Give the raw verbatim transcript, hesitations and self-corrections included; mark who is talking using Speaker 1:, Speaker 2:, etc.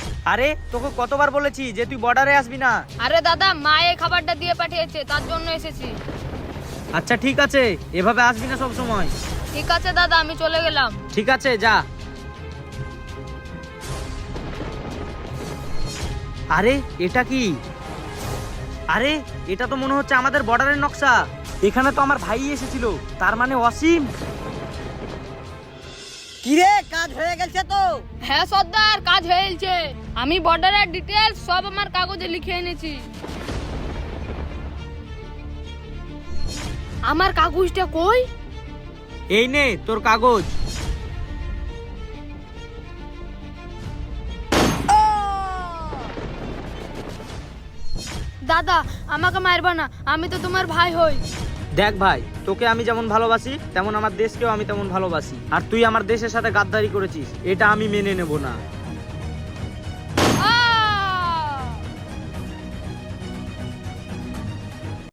Speaker 1: আরে তোকে কতবার বলেছি যে তুই বর্ডারে আসবি না।
Speaker 2: আরে দাদা, মা এই খাবারটা দিয়ে পাঠিয়েছে, তার জন্য এসেছি।
Speaker 1: আচ্ছা ঠিক আছে, এভাবে আসবি না সব সময়।
Speaker 2: ঠিক আছে দাদা, আমি চলে গেলাম।
Speaker 1: ঠিক আছে যা। আরে এটা কি? আরে এটা তো মনে হচ্ছে আমাদের বর্ডারের নকশা। এখানে তো আমার ভাই এসেছিল, তার মানে অসীম।
Speaker 3: কিরে, কাজ হয়ে গেছে তো?
Speaker 2: হ্যাঁ সর্দার, কাজ হয়েছে। আমি বর্ডারের ডিটেলস সব আমার কাগজে লিখে এনেছি। আমার কাগজটা কই?
Speaker 1: এই নে তোর কাগজ।
Speaker 2: দাদা, আমাকে মারবা না, আমি তো তোমার ভাই হই।
Speaker 1: দেখ ভাই, তোকে আমি যেমন ভালোবাসি তেমন আমার দেশকেও আমি তেমন ভালোবাসি। আর তুই আমার দেশের সাথে গাদ্দারি করেছিস, এটা আমি মেনে নেব না।